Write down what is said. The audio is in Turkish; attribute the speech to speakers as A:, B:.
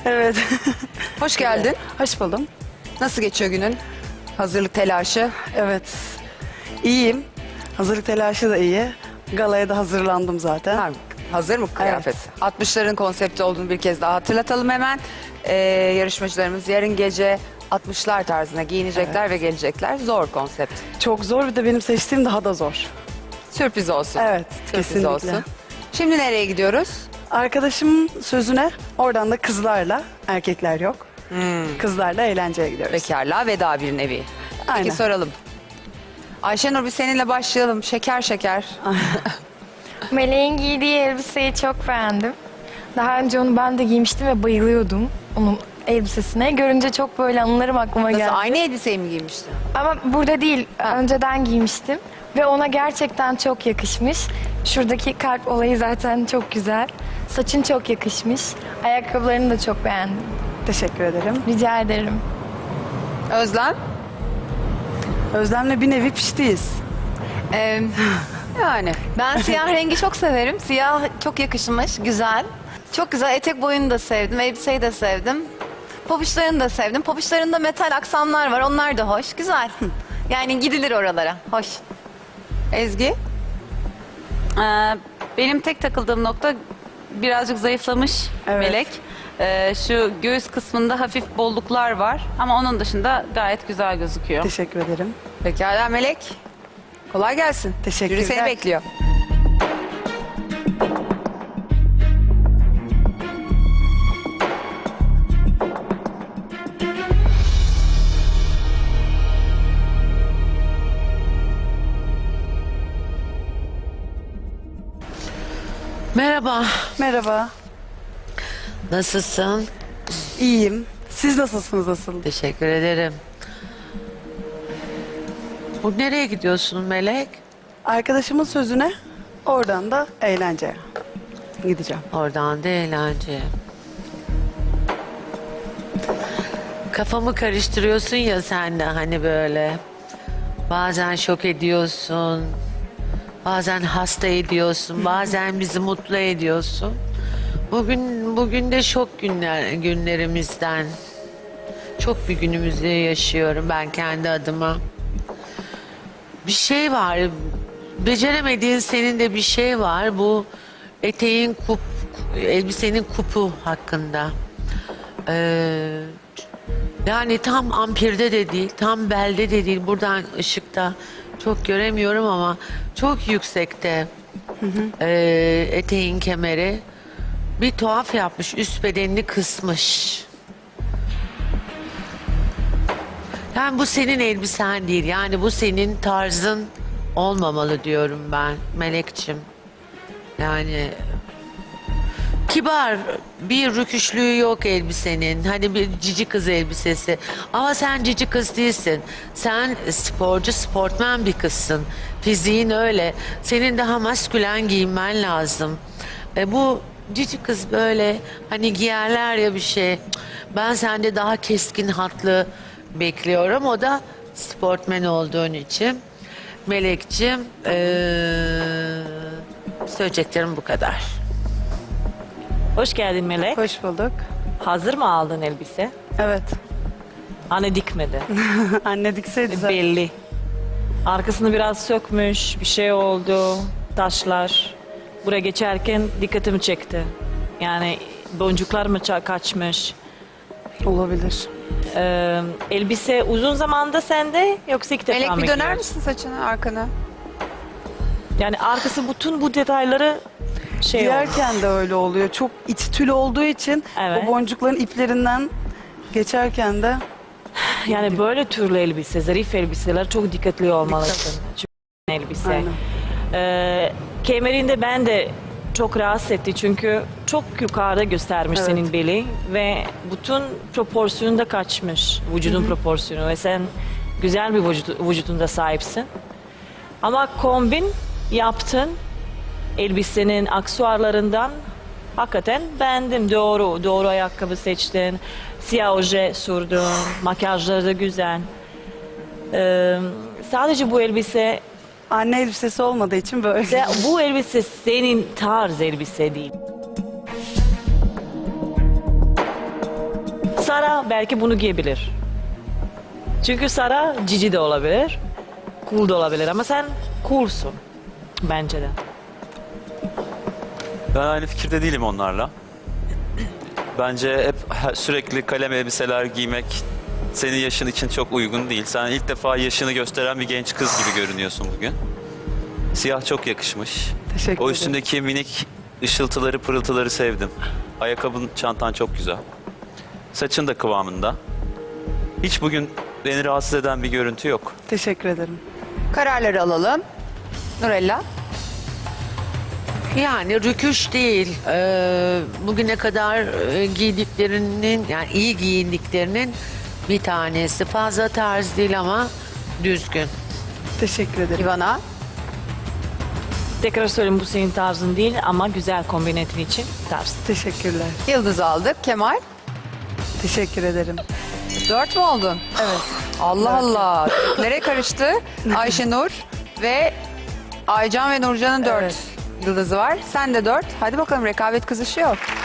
A: Evet.
B: Hoş geldin.
A: Hoş buldum.
B: Nasıl geçiyor günün? Hazırlık telaşı.
A: Evet. İyiyim. Hazırlık telaşı da iyi. Galaya da hazırlandım zaten.
B: Ha, hazır mı kıyafet? 60'ların konsepti olduğunu bir kez daha hatırlatalım hemen. Yarışmacılarımız yarın gece 60'lar tarzına giyinecekler ve gelecekler. Zor konsept.
A: Çok zor, bir de benim seçtiğim daha da zor.
B: Sürpriz olsun.
A: Evet,
B: Sürpriz
A: kesinlikle.
B: olsun. Şimdi nereye gidiyoruz?
A: Arkadaşımın sözüne, oradan da kızlarla, erkekler yok. Kızlarla eğlenceye gidiyoruz.
B: Bekarlığa veda bir nevi.
A: Aynen.
B: Peki soralım. Ayşenur, bir seninle başlayalım. Şeker şeker.
C: Meleğin giydiği elbiseyi çok beğendim. Daha önce onu ben de giymiştim ve bayılıyordum onun elbisesine. Görünce çok böyle anılarım aklıma
B: Nasıl,
C: geldi.
B: aynı elbiseyi mi giymiştin?
C: Ama burada değil, önceden giymiştim. Ve ona gerçekten çok yakışmış. Şuradaki kalp olayı zaten çok güzel. Saçın çok yakışmış. Ayakkabılarını da çok beğendim.
A: Teşekkür ederim.
C: Rica ederim.
B: Özlem?
A: Özlem'le bir nevi piştiyiz.
B: Yani.
D: Ben siyah rengi çok severim. Siyah çok yakışmış, güzel. Çok güzel. Etek boyunu da sevdim, elbiseyi de sevdim. Pabuçlarını da sevdim. Pabuçlarında metal aksamlar var, onlar da hoş. Güzel. Yani gidilir oralara. Hoş.
B: Ezgi?
E: Benim tek takıldığım nokta birazcık zayıflamış
A: Evet.
E: Melek. Şu göğüs kısmında hafif bolluklar var ama onun dışında gayet güzel gözüküyor.
A: Teşekkür ederim.
B: Pekala Melek. Kolay gelsin.
A: Teşekkürler.
B: Jüri seni bekliyor.
F: Merhaba,
A: Merhaba.
F: nasılsın?
A: İyiyim. Siz nasılsınız asıl?
F: Teşekkür ederim. Bu nereye gidiyorsun Melek?
A: Arkadaşımın sözüne, oradan da eğlenceye gideceğim.
F: Oradan da eğlence. Kafamı karıştırıyorsun ya sen de hani böyle. Bazen şok ediyorsun. Bazen hasta ediyorsun. Bazen bizi mutlu ediyorsun. Bugün de şok günlerimizden. Çok bir günümüzü yaşıyorum ben kendi adıma. Bir şey var. Beceremediğin senin de bir şey var. Bu eteğin elbisenin kupu hakkında. Yani tam ampirde de değil, tam belde de değil. Buradan ışıkta çok göremiyorum ama çok yüksekte eteğin kemeri. Bir tuhaf yapmış, üst bedenini kısmış. Yani bu senin elbisen değil, yani bu senin tarzın olmamalı diyorum ben Melekçim. Yani kibar, bir rüküşlüğü yok elbisenin. Hani bir cici kız elbisesi. Ama sen cici kız değilsin. Sen sporcu, sportmen bir kızsın. Fiziğin öyle. Senin daha maskülen giyinmen lazım. Bu cici kız böyle hani giyerler ya bir şey. Ben sende daha keskin hatlı bekliyorum. O da sportmen olduğun için. Melekciğim, söyleyeceklerim bu kadar.
G: Hoş geldin Melek.
A: Hoş bulduk.
G: Hazır mı aldın elbise?
A: Evet.
G: Anne dikmedi.
A: Anne dikseydi zaten.
G: Belli. Arkasını biraz sökmüş, bir şey oldu, taşlar. Buraya geçerken dikkatimi çekti. Yani boncuklar mı kaçmış?
A: Olabilir.
G: Elbise uzun zamanda sende yoksa ilk defa
B: Melek,
G: mı
B: bir döner
G: giyiyorsun?
B: misin saçını arkana?
G: Yani arkası bütün bu detayları şey oldu.
A: Giyerken de öyle oluyor. Çok iç tül olduğu için
G: Evet.
A: o boncukların iplerinden geçerken de
G: Yani böyle türlü elbise, zarif elbiseler çok dikkatli olmalısın. Çünkü elbise.
A: aynen.
G: Kemerinde ben de çok rahatsız etti çünkü çok yukarıda göstermiş
A: Evet.
G: senin beli ve bütün proporsiyonu da kaçmış, vücudun proporsiyonu ve sen güzel bir vücudunda sahipsin. Ama kombin yaptın, elbisenin aksesuarlarından hakikaten beğendim. Doğru ayakkabı seçtin, siyah oje sürdün, makyajları da güzel. Sadece bu elbise
A: Anne elbisesi olmadığı için böyle.
G: bu elbise senin tarz elbise değil. Sara belki bunu giyebilir. Çünkü Sara cici de olabilir, cool da olabilir ama sen coolsun bence de.
H: Ben aynı fikirde değilim onlarla. Bence hep sürekli kalem elbiseler giymek senin yaşın için çok uygun değil. Sen ilk defa yaşını gösteren bir genç kız gibi görünüyorsun bugün. Siyah çok yakışmış.
A: Teşekkür
H: O
A: ederim.
H: üstündeki minik ışıltıları, pırıltıları sevdim. Ayakkabın, çantan çok güzel. Saçın da kıvamında. Hiç bugün beni rahatsız eden bir görüntü yok.
A: Teşekkür ederim.
B: Kararları alalım. Nurella.
F: Yani rüküş değil. Bugüne kadar giydiklerinin, yani iyi giyindiklerinin bir tanesi. Fazla tarz değil ama düzgün.
A: Teşekkür ederim.
B: Ivana.
G: Tekrar söyleyeyim, bu senin tarzın değil ama güzel kombin ettiğin için tarz.
A: Teşekkürler.
B: Yıldız aldık. Kemal.
A: Teşekkür ederim.
B: 4 mü oldun?
A: Evet.
B: Allah Allah. Nereye karıştı? Ayşenur ve Aycan ve Nurcan'ın 4
A: Evet.
B: yıldızı var. Sen de 4. Hadi bakalım, rekabet kızışıyor.